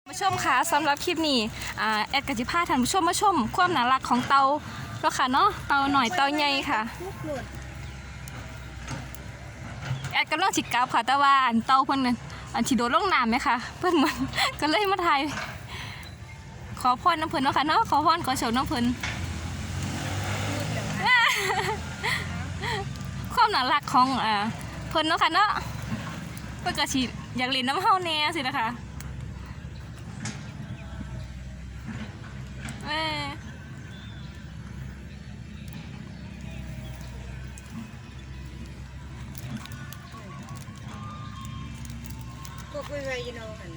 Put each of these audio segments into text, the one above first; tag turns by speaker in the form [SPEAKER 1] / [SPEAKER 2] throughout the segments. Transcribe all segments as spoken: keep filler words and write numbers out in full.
[SPEAKER 1] ผู้ชมค่ะสำหรับคลิปนี้อ่าแอดกจิพาท่านผู้ชมมาชมความน่ารักของเตาแล้วค่ะเนาะเตาหน่อยเตาใหญ่ค่ะแอดกำลังจิกกับค่ะแต่ว่าอันเตาเพิ่นนั่นอันที่โดดลงน้ำไหมคะเพิ่นมันก็เลยมาถ่ายขอพรน้ำเพิ่นเนาะค่ะเนาะขอพรขอโชคน้ำเพิ่นความน่ารักของอ่าเพิ่นเนาะค่ะเนาะเพิ่นก็สิอยากเล่นน้ำเฮาแน่สินะคะเอ้
[SPEAKER 2] ก็คุยไว้ยีโน่หัน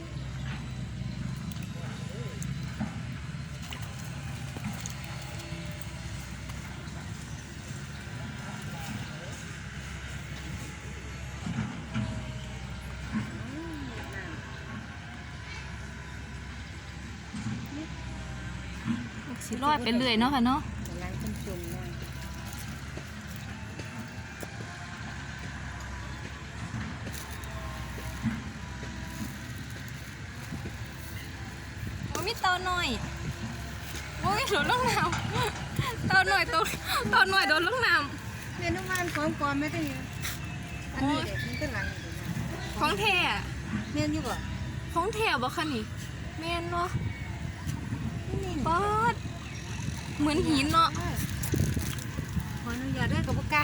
[SPEAKER 1] สิลอยไปเรื่อยเนาะค่ะเนาะ
[SPEAKER 2] ล้างจนจุ่มนะ
[SPEAKER 1] โอ้ยมีเตาหน่อยโอ้ยโดนลงน้ำเตาหน่อยตัวเตาหน่อยโดนลงน้ำ
[SPEAKER 2] เรียนทุกวันของปลอมไม่ได้ยังอันนี้เด็กมันก็หลังอยู่นะ
[SPEAKER 1] ของแท้
[SPEAKER 2] เรียนอยู่บ่
[SPEAKER 1] ของแท้บ่คะนี่แม่นเนาะป๊อดเหมือนหินเนาะ
[SPEAKER 2] ขออนุญาตด้วยกับพวกกา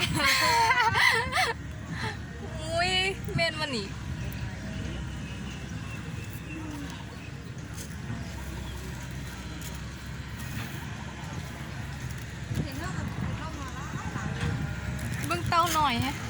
[SPEAKER 1] อุ้ยแม่นมันนี่เบิ่งเตาหน่อยฮะ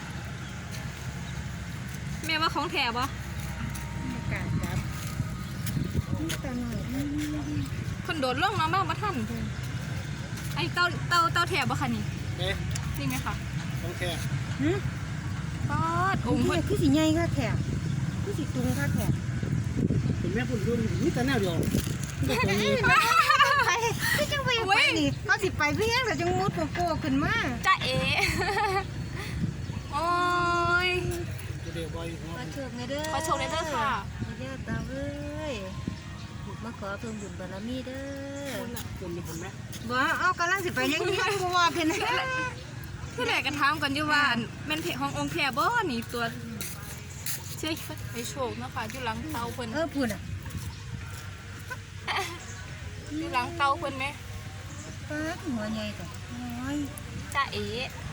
[SPEAKER 1] แม่ว่าของแท้บ่
[SPEAKER 2] การจับนี่ตาหน่อย
[SPEAKER 1] คนโดดลงน้ำบ้างบ่ทันไอ้เตาเตาเตาแท้บ่คะนี่
[SPEAKER 3] เอ๊ะ
[SPEAKER 1] นี่ไหมคะ
[SPEAKER 3] ต้องแค่
[SPEAKER 2] หืม
[SPEAKER 1] ป๊อด
[SPEAKER 2] โอ้
[SPEAKER 1] องค์
[SPEAKER 2] โห
[SPEAKER 1] เพิ่น
[SPEAKER 2] คือสีใหญ่ก็แข็งคือสีตุงก็แข็ง
[SPEAKER 3] เป็นแม่พุ่นรุ่นนี่แต่แนวเดียวนี่แต่ตัวนี้
[SPEAKER 2] ไปที่จังไปไปนี่เขาสิไปเพียงแต่จังมุดโกโก้ขึ้นมา
[SPEAKER 1] จ้าเอ๋ โอ้ย
[SPEAKER 3] เดี๋ยวบอยหัว
[SPEAKER 2] ขอโชคในเด้อ
[SPEAKER 1] ขอโชคในเด้อค่ะ
[SPEAKER 2] เด้อตาเอ้ยมาขอเพิ่มบุญบารมีเด้อ
[SPEAKER 3] คนเป็นคนแม่
[SPEAKER 2] บ่เอากำลังสิไปยังยังกูว่าเพิ่น
[SPEAKER 1] ที่แรกก็ถามกันอยู่ว่าแม่นเพจขององค์แพรบ่นี่ตัวเชื่อไปโชคเนาะค่ะอยู่หลังเตาเพิ่น
[SPEAKER 2] เออพูดอ่ะ
[SPEAKER 1] อยู่หลังเตาเพิ่นไหม
[SPEAKER 2] ป้าหัวใหญ่แต่น้อย
[SPEAKER 1] จ้าเอ๋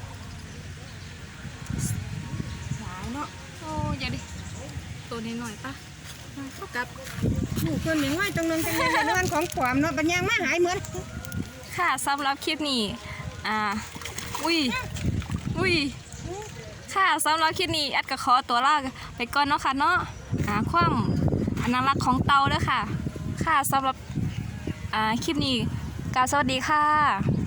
[SPEAKER 1] สายเนาะโอ้อย่าดิตัวนี้หน่อยปะเข้ากับ
[SPEAKER 2] หมู่คนอย่างว่าจังนึงจังนึงเรื่องของขวามเนาะปัญญามาหายเหมือน
[SPEAKER 1] ค่ะสำหรับคลิปนี้อ่าอุ้ยอุ้ยค่ะสำหรับคลิปนี้แอดก็ขอตัวลาไปก่อนเนาะค่ะเนาะอ่าความอนารักของเตาเด้อค่ะค่ะสำหรับอ่าคลิปนี้กล่าวสวัสดีค่ะ